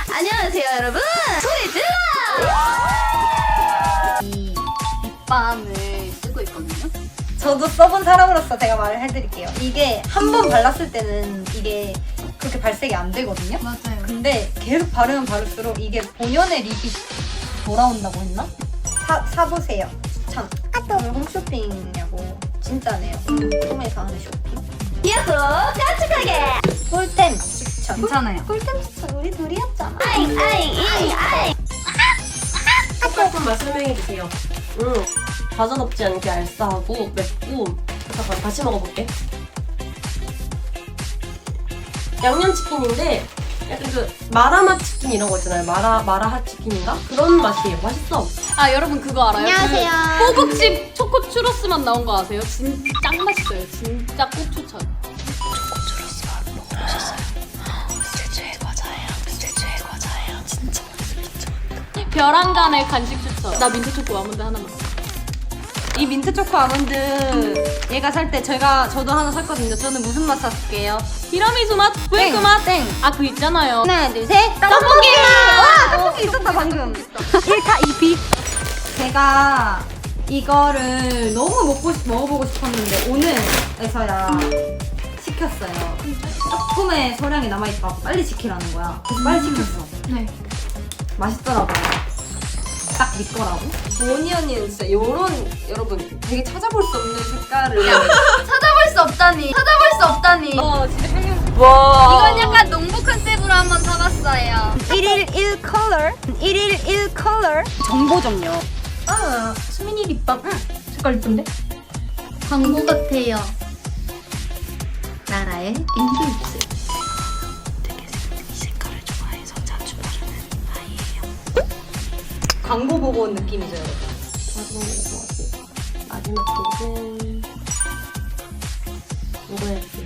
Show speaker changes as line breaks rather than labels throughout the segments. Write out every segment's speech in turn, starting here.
안녕하세요 여러분, 소리 질러! 이 립밤을 쓰고 있거든요.
저도 써본 사람으로서 제가 말을 해드릴게요. 이게 한 번 발랐을 때는 이게 그렇게 발색이 안 되거든요.
맞아요.
근데 계속 바르면 바를수록 이게 본연의 립이 돌아온다고 했나? 사보세요. 추천. 오늘 홈쇼핑이냐고. 진짜네요. 홈에서 하는 쇼핑.
야호! 깜찍하게!
꿀템 추천.
괜찮아요.
꿀템 추천 우리 둘이었잖아.
아잉 아잉 아잉 아잉!
조금 맛 설명해주세요. 과전 없지 않게 알싸하고 맵고. 잠깐 다시 먹어볼게. 양념치킨인데 약간 그 마라맛 치킨 이런 거 있잖아요. 마라핫 치킨인가? 그런 맛이에요. 맛있어.
아 여러분 그거 알아요?
안녕하세요.
그 호국집 초코 추러스 맛 나온 거 아세요? 진짜 짱 맛있어요. 진짜 꼭 추천. 벼랑간의 간식 추천. 나 민트 초코 아몬드 하나만.
이 민트 초코 아몬드 얘가 살 때 저도 하나 샀거든요. 저는 무슨 맛 샀을게요?
티라미수 맛, 브레이크 맛.
땡.
아 그 있잖아요.
하나 둘 셋.
떡볶이 맛!
와 떡볶이 있었다 방금. 1타 2피. 제가 이거를 너무 먹어보고 싶었는데 오늘에서야 시켰어요. 조금의 소량이 남아있다고 빨리 시키라는 거야. 그래서 빨리 시켰어.
네.
맛있더라고요. 딱 네 거라고.
오니언이는 진짜 요런 여러분 되게 찾아볼 수 없는 색깔을
찾아볼 수 없다니. 찾아볼 수 없다니.
진짜 향이.
와
이건 약간 농부 컨셉으로 한번 사봤어요.
1일 1컬러. 1일 1컬러. 정보점요. 아 수민이 립밤. 색깔 이쁜데?
광고 같아요. 나라의 인기입술.
광고 보고 온 느낌이죠 여러분.
마지막 곡은 이거였지.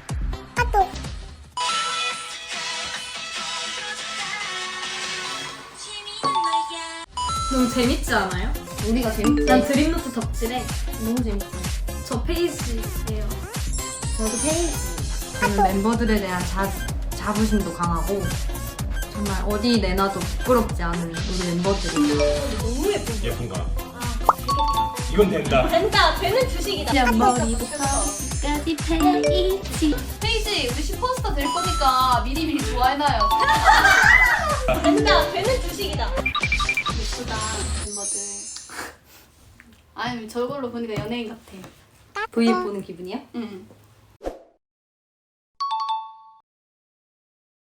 너무 재밌지 않아요?
우리가 재밌지?
난 드림노트 덕질해.
너무 재밌어.
저 페이지예요.
저도 페이지. 저는 멤버들에 대한 자부심도 강하고 정말 어디 내놔도 부끄럽지 않은 우리 멤버들이.
예쁜가? 이건 된다.
된다. 되는 주식이다.
그냥 머리부터 끝까지 페이지.
페이지 우리 슈퍼스타 될 거니까 미리미리 좋아해놔요. 된다. 되는 주식이다. 예쁘다 멤버들. 아니 저걸로 보니까 연예인 같아.
브이앱 보는 기분이야?
응.